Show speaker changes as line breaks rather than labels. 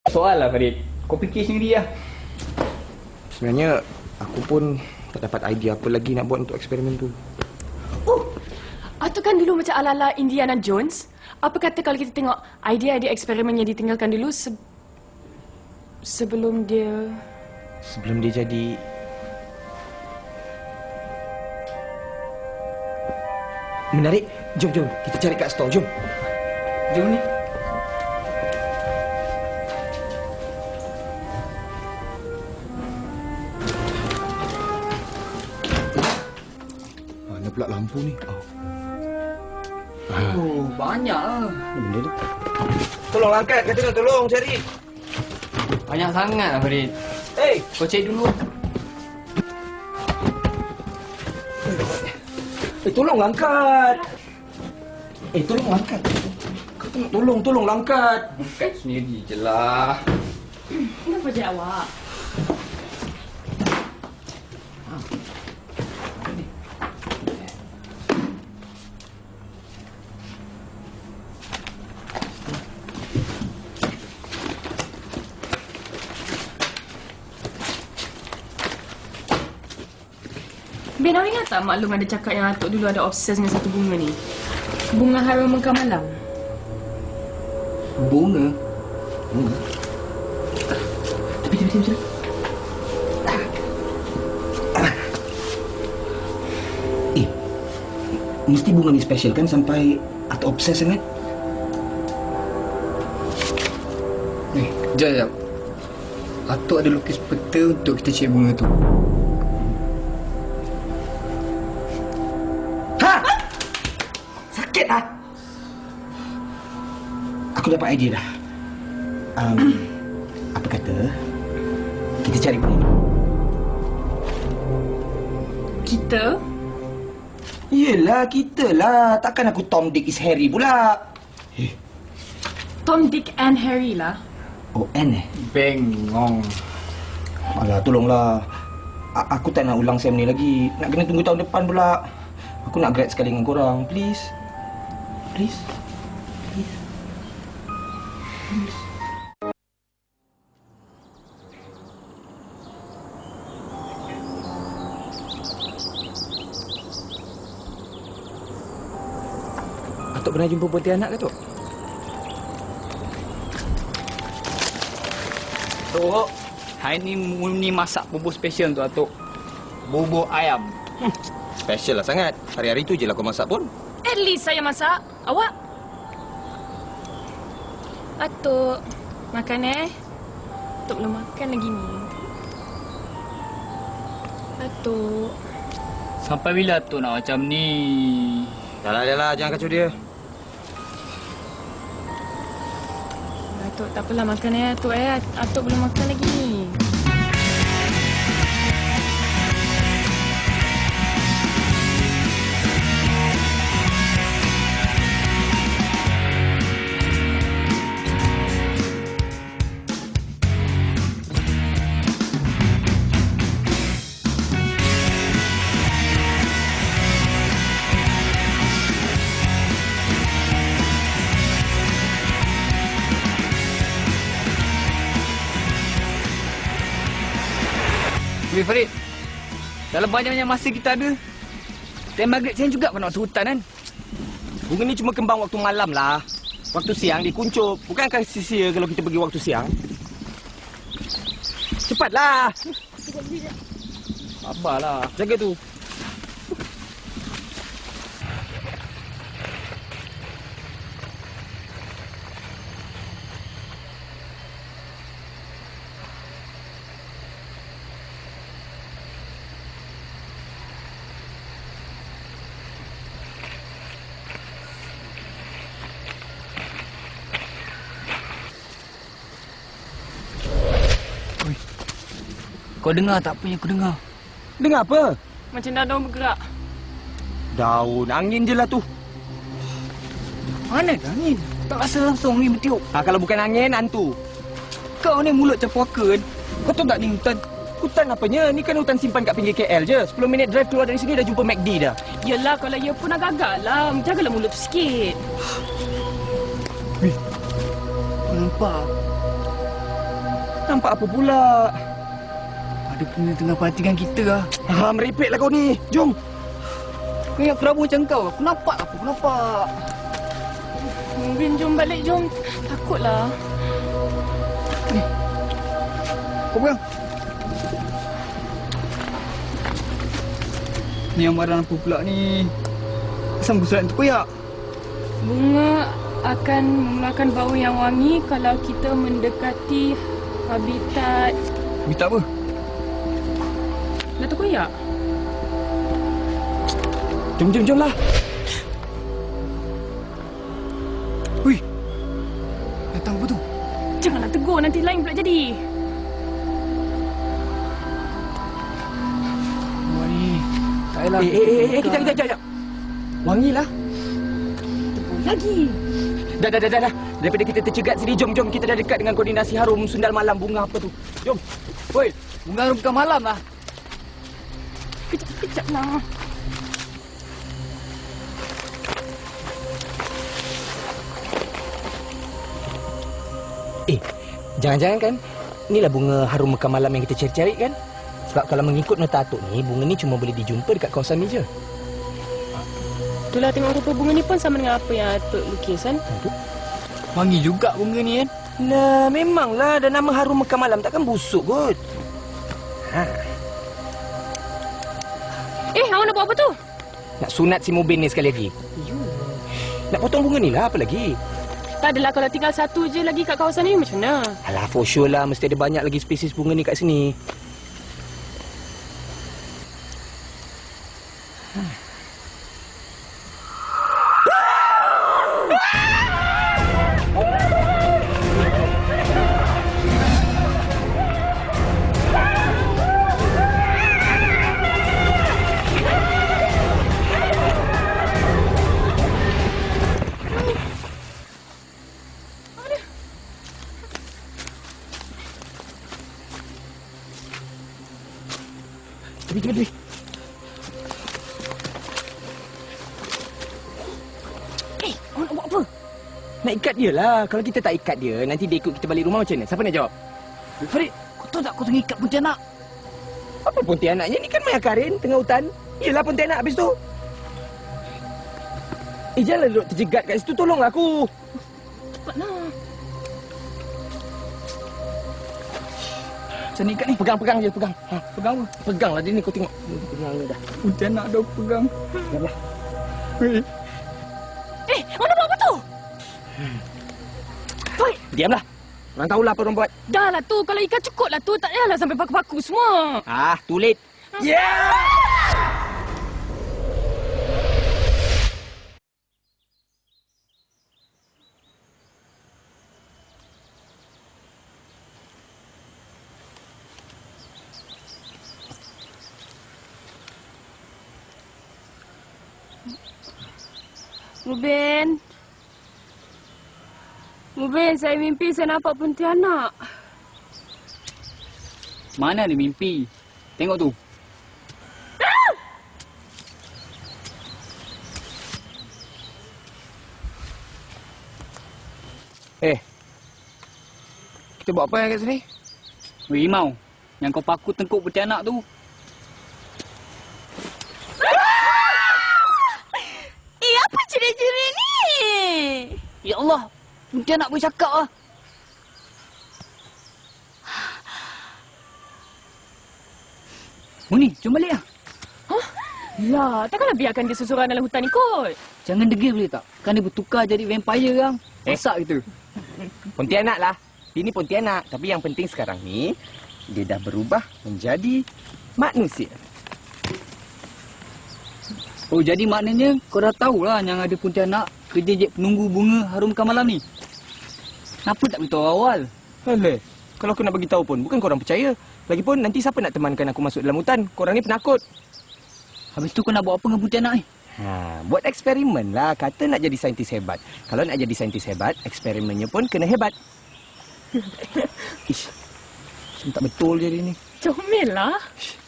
Soal lah Farid. Kau fikir sendiri lah.
Sebenarnya aku pun tak dapat idea apa lagi nak buat untuk eksperimen tu.
Oh, itu kan dulu macam ala-ala Indiana Jones. Apa kata kalau kita tengok idea-idea eksperimen yang ditinggalkan dulu sebelum dia
jadi... Menarik. Jom. Kita cari kat store. Jom.
Jom ni.
Mana pula lampu ni?
Oh, banyak lah.
Benda tu. Tolong angkat. Kata nak tolong cari.
Banyak sangat lah Farid.
Hey!
Kau cek dulu.
Tolong angkat. Tolong angkat. Kau tak nak tolong angkat.
Angkat sendiri je lah.
kenapa je awak? Ben, awak ingat tak maklum ada cakap yang Atuk dulu ada obses dengan satu bunga ni? Bunga harum mekar malam.
Bunga? Betul.
Mesti bunga ni special kan sampai Atuk obses sangat?
Sekejap. Atuk ada lukis peta untuk kita cek bunga tu.
Aku dapat idea dah. Apa kata kita cari bunga ni?
Kita?
Yelah, kita lah. Takkan aku Tom, Dick is Harry pula.
Tom, Dick and Harry lah.
Oh, N
Bengong.
Alah, tolonglah. Aku tak nak ulang sem ni lagi. Nak kena tunggu tahun depan pula. Aku nak grad sekali dengan korang. Please. Atuk pernah jumpa Pontianak ke, Tok?
Tok, hari ni Muni masak bubur special untuk Atuk. Bubur ayam.
Special lah sangat. Hari-hari tu je lah kau masak pun.
At least saya masak. Awak? Atuk, makan Atuk belum makan lagi ni. Atuk.
Sampai bila Atuk nak macam ni?
Dahlah, jangan kacau dia.
Atuk, tak apalah makan Atuk Atuk belum makan lagi ni.
Farid, dalam banyak-banyak masa kita ada, time maghrib saya juga kau nak masuk hutan kan?
Bunga ni cuma kembang waktu malam lah. Waktu siang dia kuncup. Bukankah sia-sia kalau kita pergi waktu siang? Cepatlah.
Sabarlah.
Jaga tu.
Kau dengar tak apa yang aku dengar?
Dengar apa?
Macam daun bergerak.
Daun, angin je lah tu.
Mana ada angin? Tak rasa langsung ni bertiup.
Kalau bukan angin, hantu.
Kau ni mulut macam puaka. Kau tahu tak ni hutan?
Hutan apanya? Ni kan hutan simpan kat pinggir KL je. 10 minit drive keluar dari sini dah jumpa McD dah.
Yelah, kalau ya pun agak-agak lah. Jagalah mulut tu sikit.
Nampak?
Nampak apa pula?
Ada punya tengah parti dengan kita lah.
Merepek lah kau ni. Jom.
Kau yang kerabu macam kau. Aku nampak apa? Aku nampak.
Mungkin jom balik, jom. Takutlah.
Kau pegang. Ni yang barang apa pula ni? Asam gusuran tu koyak.
Bunga akan mengeluarkan bau yang wangi kalau kita mendekati habitat
Minta apa?
Datuk Koyak.
Jom lah.
Hui. Datang apa tu?
Janganlah tegur, nanti lain pula jadi.
Wah ni. Tak payahlah.
Kejap. Wangilah.
Lagi.
Dah. Daripada kita tercegat sini, jom. Kita dah dekat dengan koordinasi harum sundal malam bunga apa tu. Jom.
Woi, bunga harum bukan malam lah.
Kejap lah.
Jangan-jangan kan, inilah bunga harum mekar malam yang kita cari-cari kan? Sebab kalau mengikut nota atuk ni, bunga ni cuma boleh dijumpa dekat kawasan ni je.
Itulah tengok rupa bunga ni pun sama dengan apa yang Atuk lukis kan?
Wangi juga bunga ni kan?
Nah, memanglah. Dan nama harum mekar malam takkan busuk kot.
Awak nak buat apa tu?
Nak sunat si Mubin ni sekali lagi. Nak potong bunga ni lah, apa lagi?
Tak adalah, kalau tinggal satu je lagi kat kawasan ni macam mana?
Alah, for sure lah. Mesti ada banyak lagi spesies bunga ni kat sini. Cepat.
Awak nak buat apa?
Nak ikat dia lah. Kalau kita tak ikat dia, nanti dia ikut kita balik rumah macam mana? Siapa nak jawab?
Farid, kau tahu tak kau tengah ikat pontianak?
Apa pontianaknya? Ni kan Maya Karin tengah hutan. Yelah pontianak habis tu. Janganlah duduk terjegat kat situ. Tolonglah aku.
Cepatlah.
Macam ni ikat ni.
Pegang je, pegang.
Pegang apa?
Peganglah dia ni, kau tengok. Pegang ni dah.
Pontianak dah pegang.
Diamlah.
Weh.
Awak nak buat apa tu?
Diamlah. Orang tahulah apa orang buat.
Dah lah tu, kalau ikan cukup lah tu. Tak payahlah sampai paku-paku semua.
Too late. Yeah!
Mubin, saya mimpi saya nampak pontianak.
Mana ada mimpi? Tengok tu.
Kita buat apa yang kat sini?
Weh Imau, yang kau paku tengkuk pontianak tu.
Apa jerit-jerit ni?
Ya Allah, pontianak boleh cakap lah. Muni, jom balik lah.
Lah, takkanlah biarkan dia seseorang dalam hutan ni kot.
Jangan degil boleh tak? Kan dia bertukar jadi vampire kan? Masak kita.
Pontianak lah. Dia ni pontianak. Tapi yang penting sekarang ni, dia dah berubah menjadi manusia.
Oh, jadi maknanya kau dah tahulah yang ada pontianak kerja je penunggu bunga harum mekar malam ni. Kenapa tak beritahu awal?
Alah, kalau aku nak bagi tahu pun, bukan korang percaya. Lagipun nanti siapa nak temankan aku masuk dalam hutan? Korang ni penakut.
Habis tu kau nak buat apa dengan pontianak ni?
Buat eksperimen lah. Kata nak jadi saintis hebat. Kalau nak jadi saintis hebat, eksperimennya pun kena hebat. Ish, macam tak betul je dia ni.
Comel lah.